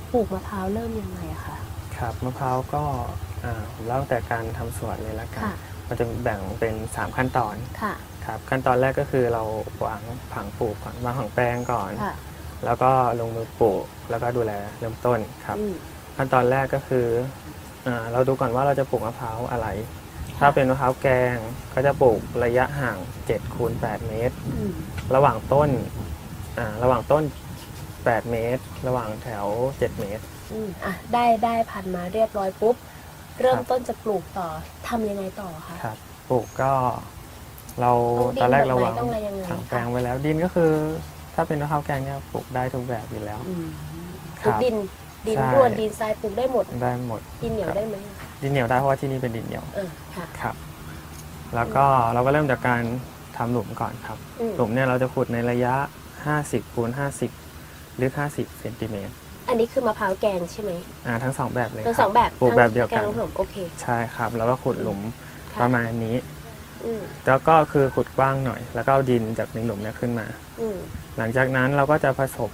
ปลูกมะพร้าวเริ่มยังไงอะคะครับมะพร้าวก็ผมเล่าตั้งแต่การทำสวนเลยละกันค่ะมันจะแบ่งเป็น3ขั้นตอนค่ะครับขั้นตอนแรกก็คือเราวางผังปลูกก่อนวางผังแปลงก่อนค่ะแล้วก็ลงมือปลูกแล้วก็ดูแลเริ่มต้นครับอืมขั้นตอนแรกก็คือเราดูก่อนว่าเราจะปลูกมะพร้าวอะไรถ้าค่ะเป็นมะพร้าวแกงก็จะปลูกระยะห่าง7 คูณ 8 เมตรอืมระหว่างต้น8 เมตรระหว่างแถว7 เมตรได้พันธุ์มาเรียบร้อยปุ๊บเริ่มต้นจะปลูกต่อทำยังไงต่อคะครับปลูกก็เราต้องดินตอนแรกเราแบบไหนวางต้องอะไรยังไงถังแปลงคะไว้แล้วดินก็คือถ้าเป็นมะพร้าวแกงเนี่ยปลูกได้ทุกแบบอยู่แล้วอืมคคือรับดินใช่ร่วนดินทรายปลูกได้หมดได้หมดดินเหนียวครับได้ไหมดินเหนียวได้เพราะว่าที่นี่เป็นดินเหนียวค่ะครับแล้วก็เราก็เริ่มจากการทำหลุมก่อนครับอืมหลุมเนี่ยเราจะขุดในระยะ50 คูณ 50ลึก50 เซนติเมตรอันนี้คือมะพร้าวแกงใช่ไหมทั้ง2แบบเลยทั้งครัสองแบบปลูกแบบเดียวกันทั้งแกงผสมโอเคใช่ครับแล้วก็ขุดหลุมค่ะประมาณนี้อืมแล้วก็คือขุดกว้างหน่อยแล้วก็เอาดินจากในหลุมเนี่ยขึ้นมาอืมหลังจากนั้นเราก็จะผสม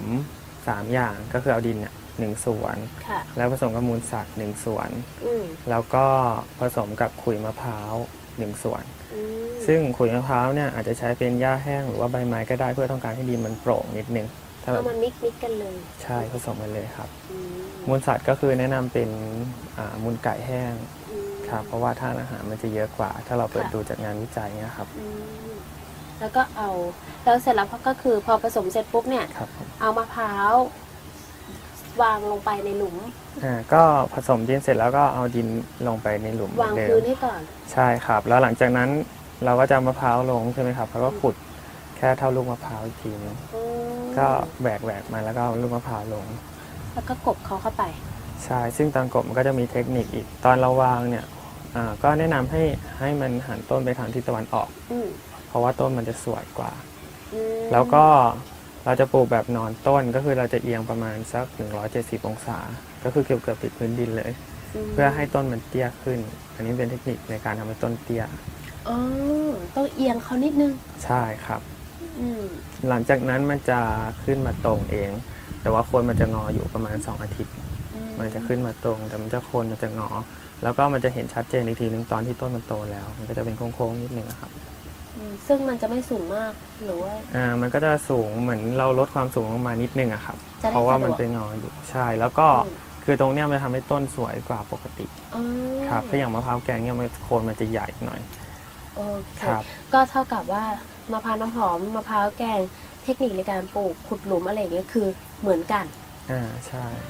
3อย่างก็คือเอาดินเนี่ย1 ส่วนค่ะแล้วผสมกับมูลสัตว์1 ส่วนอืมแล้วก็ผสมกับขุยมะพร้าว1 ส่วนอืมซึ่งขุยมะพร้าวเนี่ยอาจจะใช้เป็นหญ้าแห้งหรือว่าใบไม้ก็ได้เพื่อต้องการให้ดินมันโปร่งนิดนึงถ้าแบเอาบมามิกกันเลยใช่ผสมกันเลยครับอืมมูลสัตว์ก็คือแนะนำเป็นมูลไก่แห้งอืมครับเพราะว่าธาตุอาหารมันจะเยอะกว่า ถ้าเราเปิดค่ะดูจากงานวิจัยเนี่ยครับอืมแล้วก็แล้วเสร็จแล้วก็คือพอผสมเสร็จปุ๊บเนี่ยครับผมเอามะพร้าววางลงไปในหลุมก็ผสมดินเสร็จแล้วก็เอาดินลงไปในหลุมวางเหมือนเดิพื้มนให้ก่อนใช่ครับแล้วหลังจากนั้นเราก็จะเอามะพร้าวลงใช่ไหมครับแล้วก็ขุดแค่เท่าลูกมะพร้าวอีกทีนึงอืมก็แหวกมาแล้วก็เอาลูกมะพร้าวลงแล้วก็กบเขาเข้าไปใช่ซึ่งตอนกบมันก็จะมีเทคนิคอีกตอนเราวางเนี่ยก็แนะนำให้มันหันต้นไปทางทิศตะวันออกอืมเพราะว่าต้นมันจะสวยกว่าอืมแล้วก็เราจะปลูกแบบนอนต้นก็คือเราจะเอียงประมาณสัก170 องศาก็คือเกือบติดพื้นดินเลยมเพื่อให้ต้นมันเตี้ยขึ้น อันนี้เป็นเทคนิคในการทำให้ต้นเตี้ยอ๋อต้องเอียงเขานิดนึงใช่ครับอืมหลังจากนั้นมันจะขึ้นมาตรงเอง แต่ว่าโคนมันจะงออยู่ประมาณ2 อาทิตย์มันจะขึ้นมาตรงแต่มันจะโคนมันจะงอ แล้วก็มันจะเห็นชัดเจนอีกทีนึงตอนที่ต้นมันโตแล้ว มันก็จะเป็นโค้งๆนิดนึงนะครับซึ่งมันจะไม่สูงมากหรือว่ามันก็จะสูงเหมือนเราลดความสูงลงมานิดนึงอะครับจะได้เพราะว่ามันสะดวกเป็นงออยู่ใช่แล้วก็อืมคือตรงเนี้ยมันทำให้ต้นสวยกว่าปกติอ๋อครับถ้าอย่างมะพร้าวแกงเนี่ยมันโคนมันจะใหญ่หน่อยโอเคครับก็เท่ากับว่ามะพร้าวน้ำหอมมะพร้าวแกงเทคนิคในการปลูกขุดหลุมอะไรอย่างเงี้ยคือเหมือนกันใช่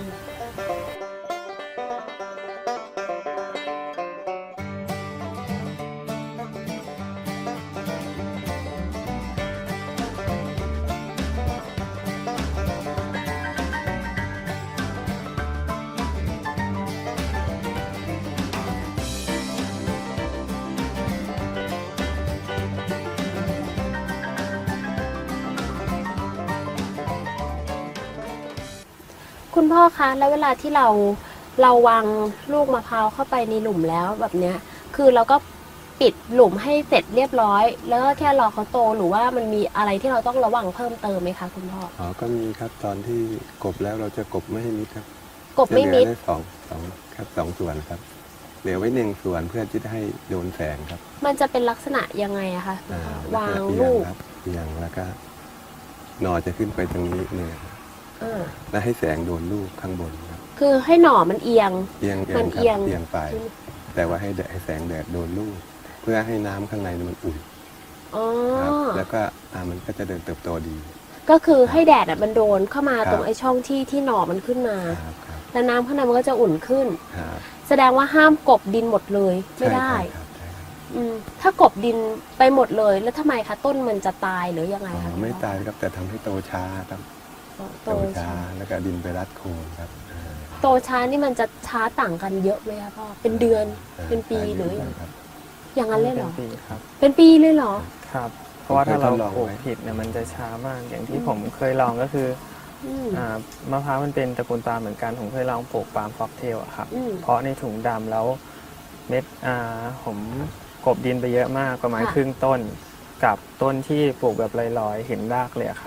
คุณพ่อคะแล้วเวลาที่เราวางลูกมะพร้าวเข้าไปในหลุมแล้วแบบเนี้ยคือเราก็ปิดหลุมให้เสร็จเรียบร้อย แล้วก็แค่รอเขาโตหรือว่ามันมีอะไรที่เราต้องระวังเพิ่มเติมไหมคะคุณพ่อก็มีครับตอนที่กบแล้วเราจะกบไม่ให้มิดครับกบไม่มิดจะเหลือได้สองครับ2 ส่วนครับเหลือไว้1 ส่วนเพื่อที่จะให้โดนแสงครับมันจะเป็นลักษณะยังไงอะคะวางเอียลูกครับเอียงแล้วก็หนอจะขึ้นไปตรงนี้เนี่ยแล้วให้แสงโดนลูกข้างบนครับคือให้หน่อมันเอียงเอียงมัครับเอียงเอียงไปแต่ว่าให้แสงแดดโดนลูก เพื่อให้น้ำข้างในมันอุ่นอ๋อครับแล้วก็มันก็จะเดินเติบโตดีก็คือให้แดดมันโดนเข้ามาครับตรงไอ้ช่องที่หน่อมันขึ้นมาครับครับแล้วน้ำข้างในมันก็จะอุ่นขึ้นครับแสดงว่าห้ามกบดินหมดเลยไม่ได้ใช่ครับใช่ครับถ้ากบดินไปหมดเลยแล้วทำไมคะต้นมันจะตายหรือยังไงคะไม่ตายครับแต่ทำให้โตช้าครับโตโตช้าช้าแล้วก็ดินไปรัดโคนครับโตช้านี่มันจะช้าต่างกันเยอะไหมคะพ่อเป็นเดือนเป็นปีหรือครับอย่างนั้นเลยเหรอเป็นปีครับเป็นปีเลยเหรอครับ เพราะว่าถ้าเราผมเคยทดลองปลูกไว้ผิดเนี่ยมันจะช้ามากอย่างที่ผมเคยลองก็คืออืมมะพร้าวมันเป็นตระกูลปาล์มเหมือนกันผมเคยลองปลูกปาล์มฟ็อกเทลอะครับอืมเพราะในถุงดำแล้วเม็ดผมกลบดินไปเยอะมากประมาณค่ะครึ่งต้นกับต้นที่ปลูกแบบลอยๆเห็นรากเลยอะครับ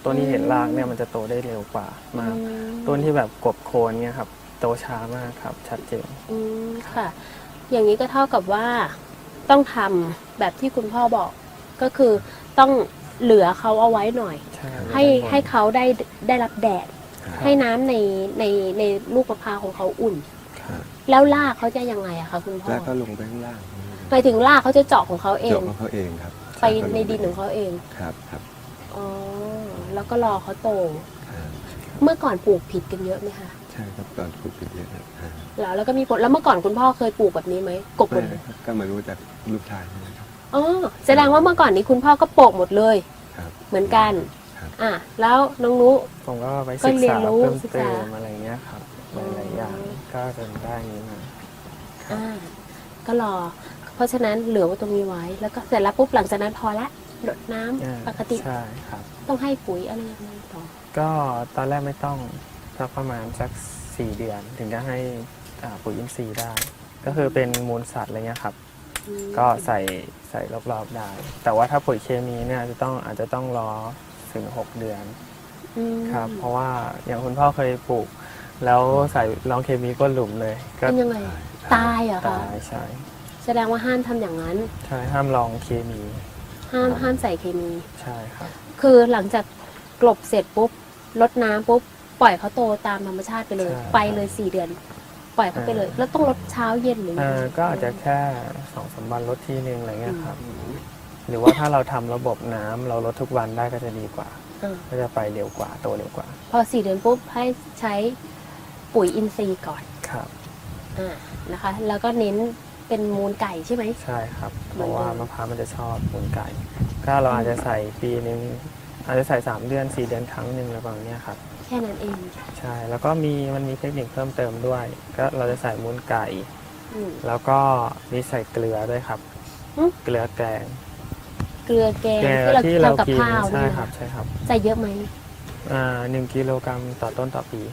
ต้นที่เห็นรากเนี่ยมันจะโตได้เร็วกว่ามากต้นที่แบบกบโคนเนี่ยครับโตช้ามากครับชัดเจนค่ะ อย่างนี้ก็เท่ากับว่าต้องทำแบบที่คุณพ่อบอกก็คือต้องเหลือเขาเอาไว้หน่อยใช่ให้เขาได้รับแดดครับให้น้ำในลูกมะพร้าวของเขาอุ่นครับแล้วรากเขาจะยังไงอะคะคุณพ่อแล้วก็ลงไปข้างล่างหมายถึงรากเขาจะเจาะของเขาเอเจาะงของเขาเองครับไปในดินของเขาเองครับครับอ๋อแล้วก็รอเขาโตครับเมื่อก่อนปลูกผิดกันเยอะไหมคะใช่ครับตอนปลูกเป็นเยอะครับอ่าแล้วก็มีผลแล้วเมื่อก่อนคุณพ่อเคยปลูกแบบนี้ไหมกบหมไม่ดเลยครับก็มารู้จากลูกชายนะครับอ๋อแสดงว่าเมื่อก่อนนี้คุณพ่อก็ปลูกหมดเลยครับเหมือนกันครับอ่ะแล้วน้องนุผมก็ไปก็ศึกเรียษานรู้เพิ่มศึกเติษามอะไรเงี้ยครับหลายๆอย่างก็จนได้นี้มาอ่าก็รอ เพราะฉะนั้นเหลือไว้ตรงนี้ไว้ แล้วก็เสร็จแล้วปุ๊บหลังจากนั้นพอละรดน้ำปกติใช่ครับต้องให้ปุ๋ยอะไรยังไงต่อก็ตอนแรกไม่ต้องสักประมาณสัก4 เดือน ถึงจะให้ปุ๋ยอินทรีย์ได้ ก็คือเป็นมูลสัตว์อะไรเงี้ยครับอืมก็ใส่รอบๆได้ แต่ว่าถ้าปุ๋ยเคมีเนี่ยอาจจะต้องรอถึง6 เดือนอืมครับ เพราะว่าอย่างคุณพ่อเคยปลูก แล้วใส่รองเคมีก้นหลุมเลย ก็เป็นยังไง ตายเหรอคะตายใช่แสดงว่าห้ามทำอย่างนั้นใช่ห้ามลองเคมีห้ามใส่เคมีใช่ครับคือหลังจากกลบเสร็จปุ๊บรดน้ำปุ๊บปล่อยเขาโตตามธรรมชาติไปเลยใช่ไปเลย4 เดือน ปล่อยเขาไปเลย แล้วต้องรดเช้าเย็นหรือยังไงก็อาจจะแค่2-3 วันลดทีนึงอะไรเงี้ยครับ หรือว่าถ้าเราทำระบบน้ำเราลดทุกวันได้ก็จะดีกว่าอ่าก็จะไปเร็วกว่าโตเร็วกว่าพอ4 เดือนปุ๊บให้ใช้ปุ๋ยอินทรีย์ก่อนครับนะคะ แล้วก็เน้นเป็นมูลไก่ใช่ไหมใช่ครับ เพเหมือนราะเดิมว่ามะพร้าวมันจะชอบมูลไก่ก็เราอาจจะใส่ปีนึงอาจจะใส่3 เดือน 4 เดือนครั้งหนึ่งอะไรประมาณเนี้ยครับแค่นั้นเองใช่แล้วก็มันมีเทคนิคเพิ่มเติมด้วย ก็เราจะใส่มูลไก่อืมแล้วก็มีใส่เกลือด้วยครับอืมเกลือแกงเกลือแกงเกลืที่อเราที่เราทำกับกินข้าวใช่นี่ครับนะใช่ครับใส่เยอะไหม 1 กิโลกรัมต่อต้นต่อปี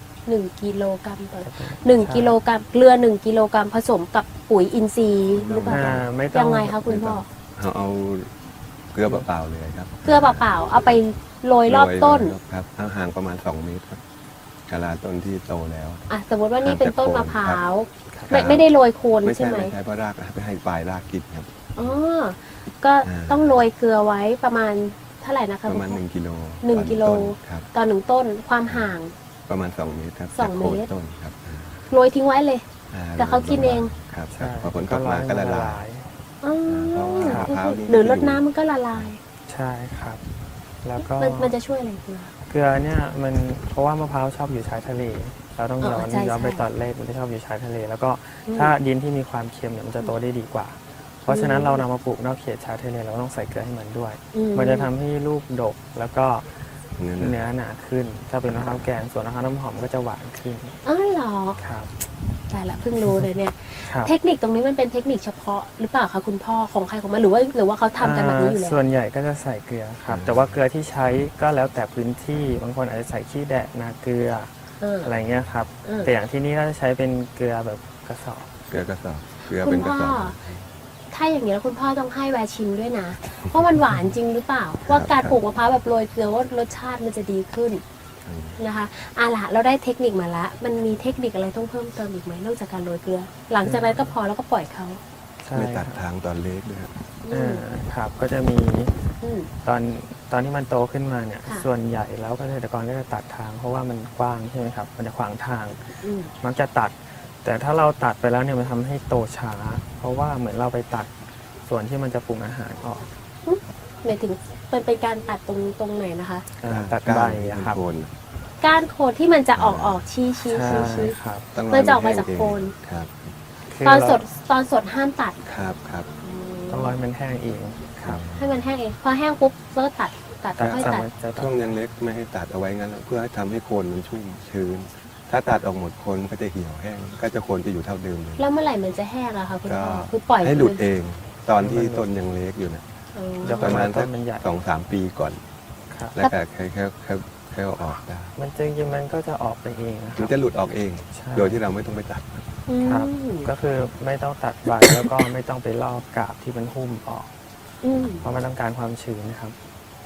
1 กิโลกรัมต่อ1 กิโลกรัมเกลือ1 กิโลกรัมผสมกับปุ๋ยอินทรีย์หรือเปล่าคะไม่ต้องยังไงคะคุณพ่อเอาเกลือเปล่าๆเลยครับเกลือเปล่าๆเอาไปโรยรอบต้นโรยครับห่างประมาณ2 เมตรครับกะลาต้นที่โตแล้วอ่ะสมมติว่านี่เป็นต้นมะพร้าวครับไม่ได้โรยโคนไม่ใช่ใช่ไหมไม่ใช่เพราะรากไปให้ปลายรากกินครับอ๋อก็อ่าต้องโรยเกลือไว้ประมาณเท่าไหร่นะคะประมาณคุณพ่อ 1 กิโลหนึ่งต่อกิโลต้นครับต่อ1 ต้นความห่างประมาณ2 เมตรครับสองจากโคนเมตรต้นครับโรยทิ้งไว้เลย แต่เขากินเองครับใช่พอผลตกมาก็ละลายอ๋อเพราะว่ามะพร้าวนี่หรือรดน้ำมันก็ละลายใช่ครับ แล้วก็มันจะช่วยอะไรเกลือเกลือเนี่ยมันเพราะว่ามะพร้าวชอบอยู่ชายทะเล เราต้องอ๋อใช่ย้อนไปใช่ตอนแรกมันจะชอบอยู่ชายทะเล แล้วก็อืมถ้าดินที่มีความเค็มเนี่ยมันจะโตได้ดีกว่า เพราะฉะนั้นเรานำมาปลูกนอกเขตชายทะเลเราต้องใส่เกลือให้มันด้วย มันจะทำให้ลูกดกแล้วก็เนื้อเนื้อหนาขึ้น ถ้าเป็นมะพร้าวแกงส่วนมะพร้าวน้ำหอมก็จะหวานขึ้นอ๋อเหรอครับแต่ละเพิ่งรู้เลยเนี่ยครับเทคนิคตรงนี้มันเป็นเทคนิคเฉพาะหรือเปล่าคะคุณพ่อของใครของมันหรือว่าเขาทำกันแบบนี้อยู่แล้วส่วนใหญ่ก็จะใส่เกลือครับ แต่ว่าเกลือที่ใช้ก็แล้วแต่พื้นที่ บางคนอาจจะใส่ขี้แดะนาเกลือ อะไรเงี้ยครับ แต่อย่างที่นี่ก็จะใช้เป็นเกลือแบบกระสอบเกลือกระสอบเกลือคุเป็ณนกระพ่อสอบถ้าอย่างนี้แล้วคุณพ่อต้องให้แวร์ชิมด้วยนะว่ามันหวานจริงหรือเปล่า ว่าการปลูกมะพร้าวแบบโรยเกลือว่ารสชาติมันจะดีขึ้นนะคะล่ะเราได้เทคนิคมาละมันมีเทคนิคอะไรต้องเพิ่มเติมอีกไหมนอกจากการโรยเกลือ หลังจากนั้นก็พอแล้วก็ปล่อยเขาใช่ไม่คตัรัดบทางตอนเล็กด้วยครับครับ ก็จะมีอืมตอนที่มันโตขึ้นมาเนี่ยค่ะส่วนใหญ่แล้วเกษตรกรก็จะตัดทาง เพราะว่ามันกว้างใช่ไหมครับ มันจะขวางทางอืมมักจะตัด แต่ถ้าเราตัดไปแล้วเนี่ยมันทำให้โตช้า เพราะว่าเหมือนเราไปตัดส่วนที่มันจะปรุงอาหารออกหมายถึงเป็นการตัดตรงไหนนะคะตัดใบอะครับโคนก้านโคนที่มันจะออกชี้ใช่ครับต้องมันจะออกมาจากโคนครับคือตอนเราสดห้ามตัดครับครับต้องรอให้มันแห้งเองครับให้มันแห้งเองพอแห้งปุ๊บแล้วก็ตัดตัดค่อยสาตัดมารถจะตัช่วดงยังเล็กไม่ให้ตัดเอาไว้งั้นเพื่อให้ทำให้โคนมันชุ่มชื้น ถ้าตัดออกหมดโคนมันก็จะเหี่ยวแห้งก็จะโคนจะอยู่เท่าเดิมเลยแล้วเมื่อไหร่มันจะแห้งอะคะคุณก็พ่อคือปล่อยให้หลุดเอง ตอนที่ต้นยังเล็กอยู่นะอ๋อเดี๋ยวประมาณต้สักนมันใหญ่ 2-3 ปีก่อนครับแล้วก็แค่เอาออกได้มันจริงๆมันก็จะออกไปเองนะคมัรันบจะหลุดออกเองใช่โดยที่เราไม่ต้องไปตัดอืมครับ ก็คือไม่ต้องตัดใบ แล้วก็ไม่ต้องไปลอกกาบที่มันหุ้มออกอืมเพราะมันต้องการความชื้นนะครับ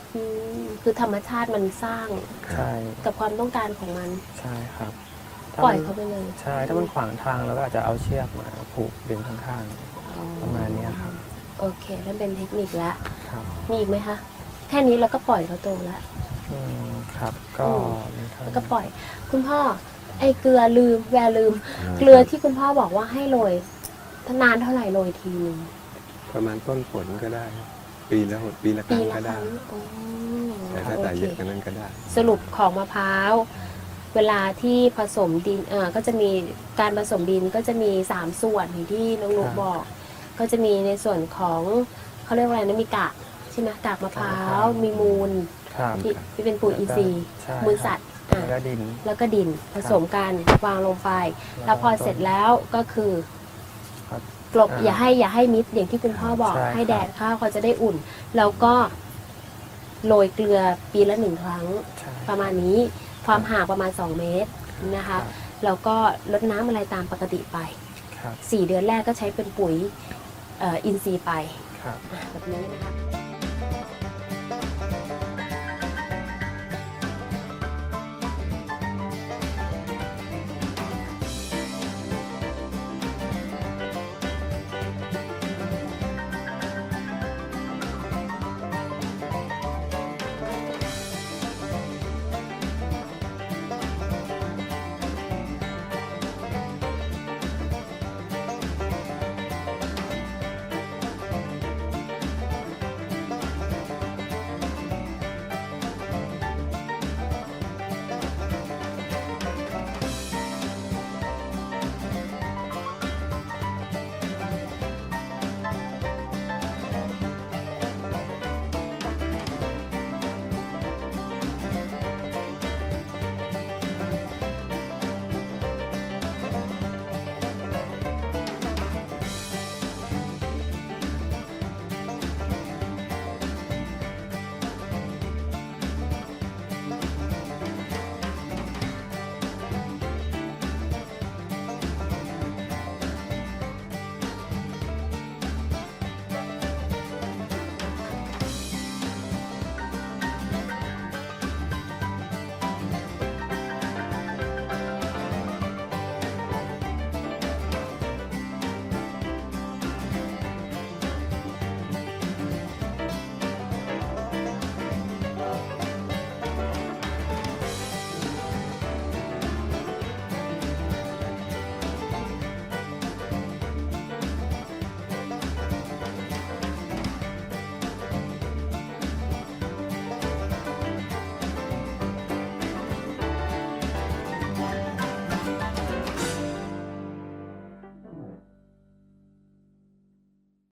คือธรรมชาติมันสร้างใช่กับความต้องการของมันใช่ครับถ้าปล่อยมันเขาไปเลยใช่ถ้ามันขวางทางเราก็อาจจะเอาเชือกมาผูกดึงข้างอ๋อประมาณเนี้ยครับโอเคนั่นเป็นเทคนิคละๆครับมีอีกไหมคะ แค่นี้เราก็ปล่อยเขาโตแล้วครับก็อืมมีเท่าแล้วนี้ก็ปล่อย คุณพ่อ ไอ้เกลือลืมแวร์ลืมาเกลือที่คุณพ่อบอกว่าให้โรยนานเท่าไหร่โรยทีนึงประมาณต้นฝนก็ได้ ปีละคปีรั้งละก็คได้รั้งอ๋อแต่ถ้าใส่โอเยเคอะกว่านั้นก็ได้สรุปของมะพร้าว เวลาที่ผสมดินก็จะมีการผสมดินก็จะมี3ส่วนอย่างที่น้องนุกบอก ก็จะมีในส่วนของเขาเรียกว่าอะไรนะมีกากใช่ไหมกากมะพร้าวมีมูลครับที่เป็นปุ๋ยอินทรีย์ใช่มูลสัตว์แล้วก็ดินแล้วก็ดินผสมกันวางลงไป แล้วพอเสร็จแล้วก็คือครับกลบอย่าให้มิดอย่างที่คุณพ่อบอกใช่ให้แดดข้าวเขาจะได้อุ่น แล้วก็โรยเกลือปีละ1 ครั้งใช่ประมาณนี้ความห่างประมาณ2 เมตรนะคะ แล้วก็ลดน้ำอะไรตามปกติไปครับ 4 เดือนแรกก็ใช้เป็นปุ๋ยอินทรีย์ไปครับแบบนี้นะคะ